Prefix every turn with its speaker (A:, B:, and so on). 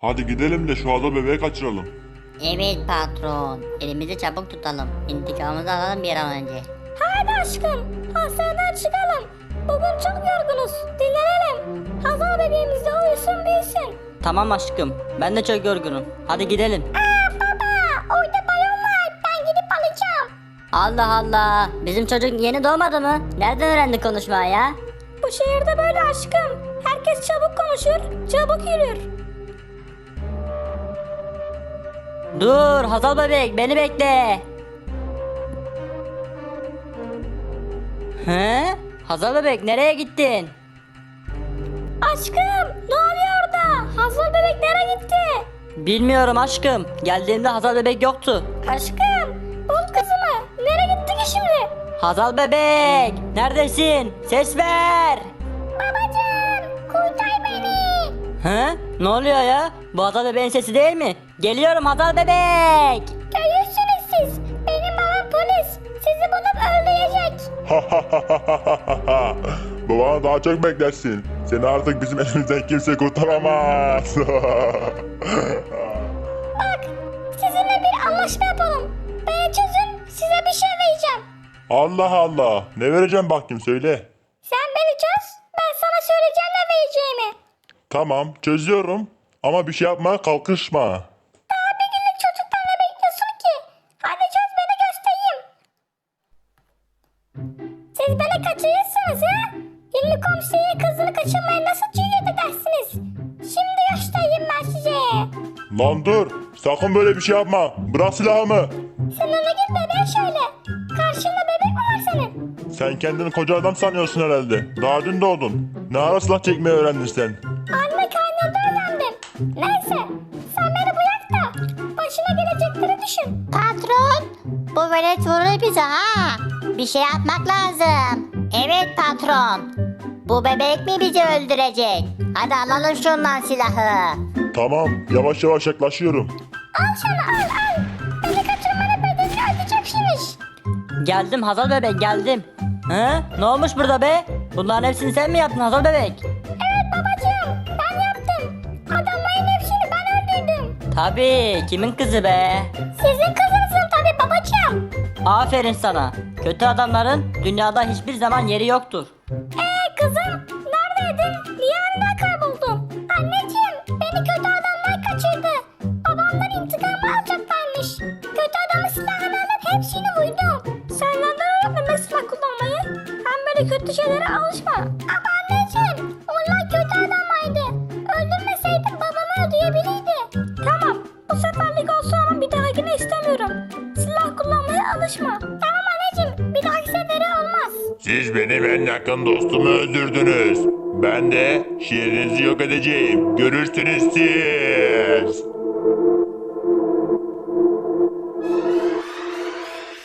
A: Hadi gidelim de şu ada bebeği kaçıralım.
B: Evet patron. Elimizi çabuk tutalım. İntikamımızı alalım bir an önce.
C: Haydi aşkım, hastaneden çıkalım. Bugün çok yorgunuz, dinlenelim. Hazal bebeğimiz de uyusun büyüsün.
D: Tamam aşkım. Ben de çok yorgunum. Hadi gidelim.
C: Baba, orada balon var, ben gidip alacağım.
B: Allah Allah. Bizim çocuk yeni doğmadı mı? Nereden öğrendi konuşmayı ya?
C: Bu şehirde böyle aşkım. Herkes çabuk konuşur, çabuk yürür.
D: Dur Hazal bebek beni bekle. He? Hazal bebek nereye gittin?
C: Aşkım, ne oluyor orada? Hazal bebek nereye gitti?
D: Bilmiyorum aşkım. Geldiğimde Hazal bebek yoktu.
C: Aşkım, bul kızımı. Nereye gitti ki şimdi?
D: Hazal bebek neredesin? Ses ver.
C: Babacığım, kurtar beni.
D: He? Ne oluyor ya? Bu Hazal bebeğin sesi değil mi? Geliyorum Hazal bebek.
C: Görürsünüz siz. Benim babam polis. Sizi bulup öldürecek.
A: Babana daha çok beklersin. Seni artık bizim elimizden kimse kurtaramaz.
C: Bak, sizinle bir anlaşma yapalım. Beni çözün, size bir şey vereceğim.
A: Allah Allah. Ne vereceğim bakayım söyle.
C: Sen beni çöz, ben sana söyleyeceğim ne vereceğimi.
A: Tamam çözüyorum. Ama bir şey yapmaya kalkışma.
C: Daha bir günlük çocuktan ne bekliyorsun ki? Hadi çöz beni göstereyim. Siz beni kaçırırsınız ha? Hilmi komşuya kızını kaçırmaya nasıl cüret edersiniz? Şimdi göstereyim ben size.
A: Lan dur. Sakın böyle bir şey yapma. Bırak silahımı.
C: Sen ona git bebeğe şöyle. Karşında bebek mi var senin?
A: Sen kendini koca adam sanıyorsun herhalde. Daha dün doğdun. Ne ara silah çekmeyi öğrendin sen?
C: Anne karnında öğrendim. Neyse sen beni bırak da başına gelecekleri düşün.
B: Patron. Bu velet vurur bize ha. Bir şey yapmak lazım. Evet patron. Bu bebek mi bizi öldürecek? Hadi alalım şundan silahı.
A: Tamam. Yavaş yavaş yaklaşıyorum.
C: Al şunu al. Beni kaçırmanın bedelini ödeyeceksiniz.
D: Geldim Hazal bebek geldim. He? Ne olmuş burada be? Bunların hepsini sen mi yaptın Hazal bebek?
C: Evet babacığım ben yaptım. Adamların hepsini ben öldürdüm.
D: Tabii kimin kızı be?
C: Sizin kızınızın tabii babacığım.
D: Aferin sana. Kötü adamların dünyada hiçbir zaman yeri yoktur.
C: Kızım neredeydin? Niye aniden kayboldun? Anneciğim beni kötü adamlar kaçırdı. Babamdan intikamı alacaklarmış. Kötü adamın silahını alıp hepsini vurdum. Senden öğrenmemek silah kullanmayı. Hem böyle kötü şeylere alışma. Ama anneciğim onlar kötü adamlardı. Öldürmeseydim babamı öldürebilirdi. Tamam bu seferlik olsun ama bir dahakine istemiyorum. Silah kullanmaya alışma. Tamam anneciğim bir dahaki sefere olmaz.
A: Siz benim en yakın dostumu öldürdünüz. Ben de şehrinizi yok edeceğim. Görürsünüz siz.